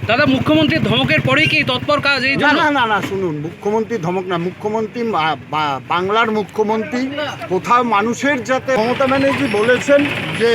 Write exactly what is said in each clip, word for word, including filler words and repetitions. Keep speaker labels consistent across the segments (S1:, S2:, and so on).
S1: দাদা, মুখ্যমন্ত্রীর ধমকের পরেই কি তৎপর কাজ এই
S2: না
S1: জন্য?
S2: না না না শুনুন, মুখ্যমন্ত্রী ধমক না, মুখ্যমন্ত্রী বা- বা- বাংলার মুখ্যমন্ত্রী কোথাও মানুষের যাতে, মমতা ব্যানার্জি বলেছেন যে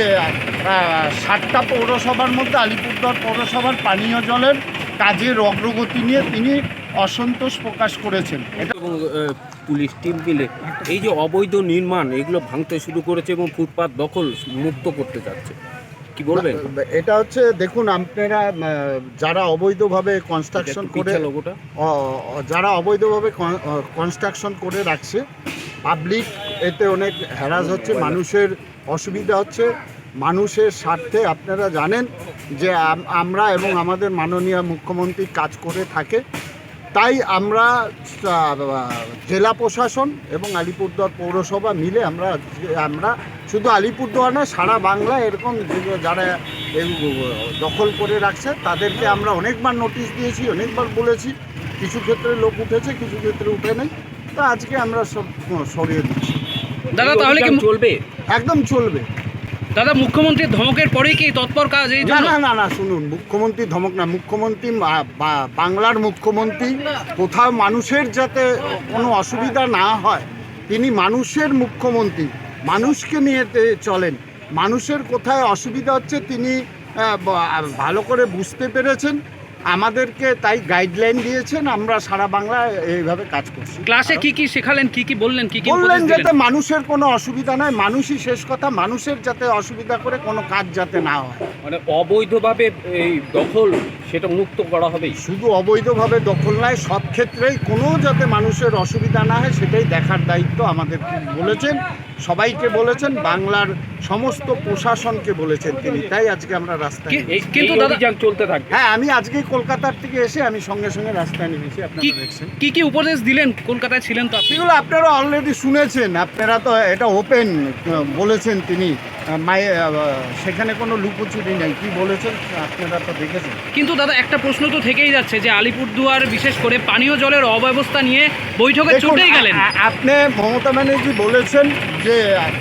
S2: আহ, ষাটটা পৌরসভার মধ্যে আলিপুরদুয়ার পৌরসভার পানীয় জলের কাজের অগ্রগতি নিয়ে তিনি অসন্তোষ প্রকাশ করেছেন। এটা
S3: এবং আহ, পুলিশ টিম মিলে এই যে অবৈধ নির্মাণ এগুলো ভাঙতে শুরু করেছে এবং ফুটপাত দখল মুক্ত করতে যাচ্ছে, কি বলবেন?
S2: এটা হচ্ছে দেখুন, আপনারা আহ, যারা অবৈধভাবে কনস্ট্রাকশন করে
S3: লোগোটা
S2: অ- অ- যারা অবৈধভাবে কনস্ট্রাকশন করে রাখছে, পাবলিক এতে অনেক হ্যারাস হচ্ছে, মানুষের অসুবিধা হচ্ছে। মানুষের স্বার্থে আপনারা জানেন যে আম- আমরা এবং আমাদের মাননীয় মুখ্যমন্ত্রী কাজ করে থাকে, তাই আমরা আহ, জেলা প্রশাসন এবং আলিপুরদুয়ার পৌরসভা মিলে আমরা আমরা শুধু আলিপুরদুয়ার না, সারা বাংলা এরকম যে- যারা এই দখল করে রাখছে তাদেরকে আমরা অনেকবার নোটিশ দিয়েছি, অনেকবার বলেছি। কিছু ক্ষেত্রে লোক উঠেছে, কিছু ক্ষেত্রে উঠে নেই। তো আজকে আমরা সব সরিয়ে দিচ্ছি।
S1: দাদা, তাহলে কি
S3: চলবে?
S2: একদম চলবে।
S1: দাদা, মুখ্যমন্ত্রীর ধমকের পরেই কি তৎপর কাজ এই
S2: না
S1: জন্য?
S2: না না না শুনুন, মুখ্যমন্ত্রী ধমক না, মুখ্যমন্ত্রী বা- বা- বাংলার মুখ্যমন্ত্রী কোথাও মানুষের যাতে কোনো অসুবিধা না হয়, তিনি মানুষের মুখ্যমন্ত্রী, মানুষকে নিয়ে তে- চলেন। মানুষের কোথায় অসুবিধা হচ্ছে তিনি আহ, ব- ভালো করে বুঝতে পেরেছেন, আমাদেরকে তাই গাইডলাইন দিয়েছেন। আমরা সারা বাংলায় এইভাবে কাজ করছি।
S1: ক্লাসে কি কি শেখালেন, কি কি বললেন, কি কি
S2: বললেন
S1: উপদেশ
S2: যাতে
S1: দিলেন?
S2: মানুষের কোনো অসুবিধা নয়, মানুষই শেষ কথা, মানুষের যাতে অসুবিধা করে কোনো কাজ যাতে না হয়।
S3: মানে অবৈধভাবে এই দখল সেটা মুক্ত করা হবে।
S2: শুধু অবৈধভাবে দখল নয়, সব ক্ষেত্রেই কোনো যাতে মানুষের অসুবিধা না হয় সেটাই দেখার দায়িত্ব আমাদের বলেছেন, সবাইকে বলেছেন, বাংলার সমস্ত প্রশাসনকে বলেছেন তিনি। তাই আজকে আমরা রাস্তায়
S1: কি-
S2: নেমেছি।
S1: কিন্তু
S3: এই
S1: দাদা,
S3: অভিযান চলতে থাকবে।
S2: হ্যাঁ, আমি আজকেই কলকাতার থেকে এসে আমি সঙ্গে সঙ্গে রাস্তায় নেমেছি, আপনারা
S1: কি
S2: দেখছেন।
S1: কি কি উপদেশ দিলেন? কলকাতায় ছিলেন তো আপনি।
S2: সেগুলো আপনারা অলরেডি শুনেছেন, আপনারা তো এটা ওপেন বলেছেন তিনি, মায়ে সেখানে কোনো লুকোচুরি নেই, কি বলেছেন আপনারা তো দেখেছেন।
S1: কিন্তু দাদা, একটা প্রশ্ন তো থেকেই যাচ্ছে যে আলিপুরদুয়ার বিশেষ করে পানীয় জলের অব্যবস্থা নিয়ে বৈঠকে
S2: দেখুন,
S1: ছুটেই গেলেন।
S2: আ- আ- আপনি মমতা ব্যানার্জি বলেছেন যে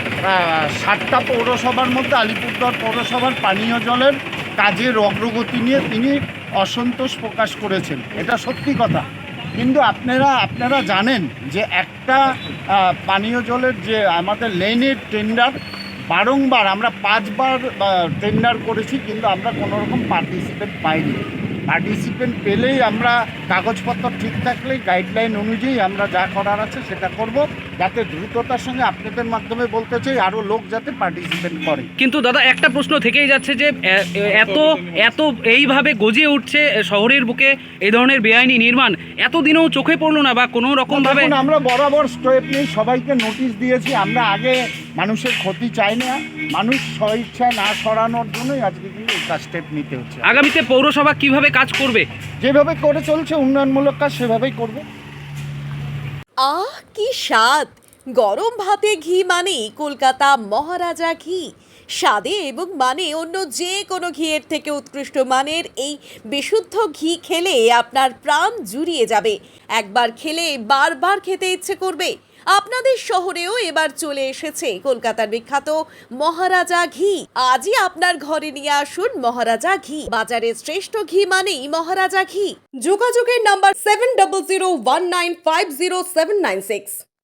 S2: আহ, ষাটটা পৌরসভার মধ্যে আলিপুরদুয়ার পৌরসভার পানীয় জলের কাজের অগ্রগতি নিয়ে তিনি অসন্তোষ প্রকাশ করেছেন। এটা সত্যি কথা, কিন্তু আপনারা আপনারা জানেন যে একটা আহ, পানীয় জলের যে আমাদের লেনের টেন্ডার বারংবার আমরা পাঁচবার টেন্ডার করেছি, কিন্তু আমরা কোনো রকম পার্টিসিপেন্ট পাইনি। পার্টিসিপেন্ট পেলেই আমরা কাগজপত্র ঠিক থাকলেই গাইডলাইন অনুযায়ী আমরা যা করার আছে সেটা করব, যাতে দ্রুততার সঙ্গে আপনাদের মাধ্যমে বলতে চাই আরও লোক যাতে পার্টিসিপেট করে।
S1: কিন্তু দাদা, একটা প্রশ্ন থেকেই যাচ্ছে যে এ- এ- এত এত এইভাবে গজিয়ে উঠছে শহরের বুকে এই ধরনের বেআইনি নির্মাণ, এতদিনেও চোখে পড়লো না বা কোনো রকম ভাবে?
S2: দেখুন, আমরা বরাবর স্টেপ নিয়ে সবাইকে নোটিশ দিয়েছি। আমরা আগে মানুষের ক্ষতি চাই না, মানুষ স্বইচ্ছা না সরানোর জন্যই আজকে কিন্তু এই কাজ স্টেপ নিতে হচ্ছে।
S1: আগামীতে পৌরসভা কিভাবে কাজ করবে?
S2: যেভাবে করে চলছে উন্নয়নমূলক কাজ সেভাবেই করবে।
S4: আহ কি স্বাদ! গরম ভাতে ঘি মানেই কলকাতা মহারাজা ঘি। স্বাদে এবং মানে অন্য যে কোনো ঘিয়ের থেকে উৎকৃষ্ট মানের এই বিশুদ্ধ ঘি খেলে আপনার প্রাণ জুড়িয়ে যাবে। একবার খেলে বারবার খেতে ইচ্ছে করবে। আপনাদের শহরেও এবার চলে এসেছে কলকাতার বিখ্যাত মহারাজা ঘি। আজই আপনার ঘরে নিয়ে আসুন মহারাজা ঘি। বাজারের শ্রেষ্ঠ ঘি মানেই মহারাজা ঘি। যোগাযোগের number seven double zero one nine five zero seven nine six.